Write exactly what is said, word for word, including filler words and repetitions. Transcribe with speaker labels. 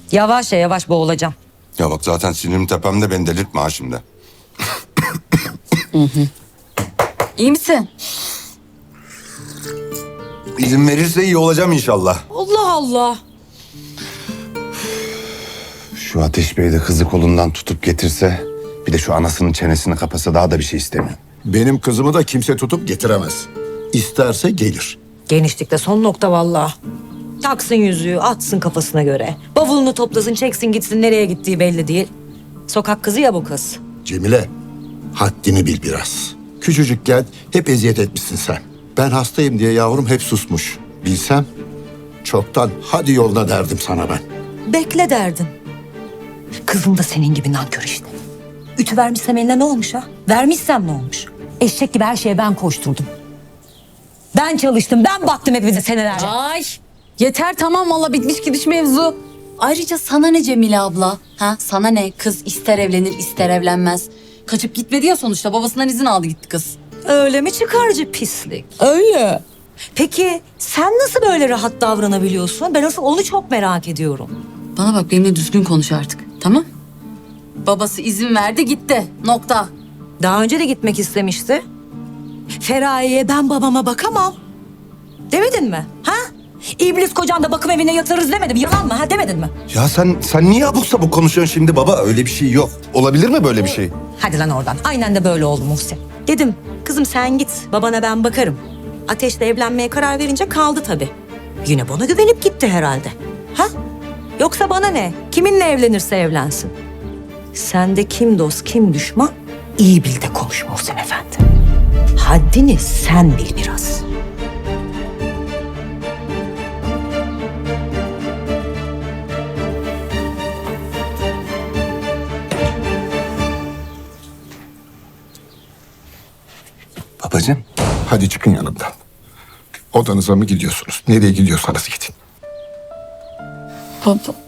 Speaker 1: Yavaş ya yavaş boğulacağım.
Speaker 2: Ya bak zaten sinirim tepemde, beni delirtme ha şimdi.
Speaker 3: İyi misin?
Speaker 2: İzin verirse iyi olacağım inşallah.
Speaker 1: Allah Allah.
Speaker 2: Şu Ateş Bey de kızı kolundan tutup getirse, bir de şu anasının çenesini kapasa, daha da bir şey istemiyorum.
Speaker 4: Benim kızımı da kimse tutup getiremez. İsterse gelir.
Speaker 1: Genişlikte son nokta vallahi. Taksın yüzüğü, atsın kafasına göre. Bavulunu toplasın, çeksin gitsin, nereye gittiği belli değil. Sokak kızı ya bu kız.
Speaker 4: Cemile, haddini bil biraz. Küçücükken hep eziyet etmişsin sen. Ben hastayım diye yavrum hep susmuş. Bilsem çoktan hadi yoluna derdim sana ben.
Speaker 1: Bekle derdin. Kızım da senin gibi nankör işte. Ütü vermişsem eline ne olmuş ha? Vermişsem ne olmuş? Eşek gibi her şeye ben koşturdum. Ben çalıştım, ben baktım hepinize senelerce.
Speaker 3: Ay yeter tamam valla bitmiş gidiş mevzu. Ayrıca sana ne Cemile abla? Ha sana ne? Kız ister evlenir ister evlenmez. Kaçıp gitmedi ya sonuçta babasından izin aldı gitti kız.
Speaker 1: Öyle mi çıkarcı pislik?
Speaker 3: Öyle.
Speaker 1: Peki sen nasıl böyle rahat davranabiliyorsun? Ben asıl onu çok merak ediyorum.
Speaker 3: Bana bak benimle düzgün konuş artık tamam? Babası izin verdi gitti nokta.
Speaker 1: Daha önce de gitmek istemişti. Feraye'ye ben babama bakamam. Demedin mi? Ha? İblis kocan da bakım evine yatırırız demedim. Yalan mı? Ha demedin mi?
Speaker 2: Ya sen sen niye abuk sabuk konuşuyorsun şimdi baba? Öyle bir şey yok. Olabilir mi böyle bir şey?
Speaker 1: Hadi lan oradan. Aynen de böyle oldu Muhsin. Dedim kızım sen git babana ben bakarım. Ateşle evlenmeye karar verince kaldı tabii. Yine bana güvenip gitti herhalde. Ha? Yoksa bana ne? Kiminle evlenirse evlensin. Sende kim dost kim düşman iyi bil de konuş Muhsin Efendi. Haddini sen bil biraz.
Speaker 2: Babacığım.
Speaker 4: Hadi çıkın yanımdan. Odanıza mı gidiyorsunuz? Nereye gidiyorsanız gidin.
Speaker 3: Baba.